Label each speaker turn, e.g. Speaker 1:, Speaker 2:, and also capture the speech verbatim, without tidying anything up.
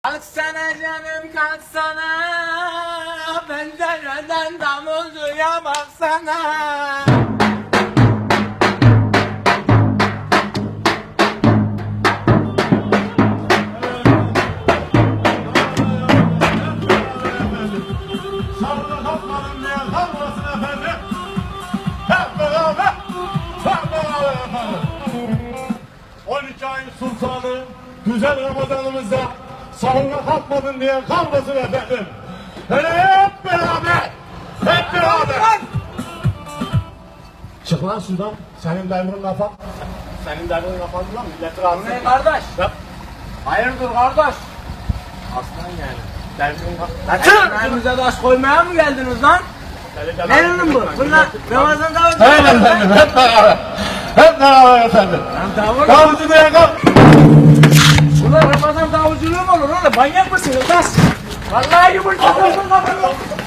Speaker 1: Kalksana canım kalksana, pencereden damulcuya baksana.
Speaker 2: Sarıda kalkmadım diye kalmasın efendim. Hep beraber, hep beraber efendim. on iki ayın sultanı, güzel Ramazanımızda sahurda kalkmadın diye kalmasın efendim. Hele hep beraber, hep beraber. Çık lan şuradan, senin devrin kafan. Senin devrin kafan lan, milleti rahatsız
Speaker 1: Ne
Speaker 2: etme.
Speaker 1: kardeş?
Speaker 2: Yap.
Speaker 1: Hayırdır kardeş?
Speaker 2: Aslan yani. Devrin kafan. Lan
Speaker 1: Çık! Elimize taş koymaya mı geldiniz lan? Ne ürün bu? Bunlar Ramazan davulcu.
Speaker 2: Evet efendim, hep beraber. Hep beraber efendim.
Speaker 1: Lan davul.
Speaker 2: Davulcu diye kalk.
Speaker 1: Bunlar Ramazan davulculuğu mu olur oğlum? Manyak mısınız lan? Vallahi yumurta kafanı.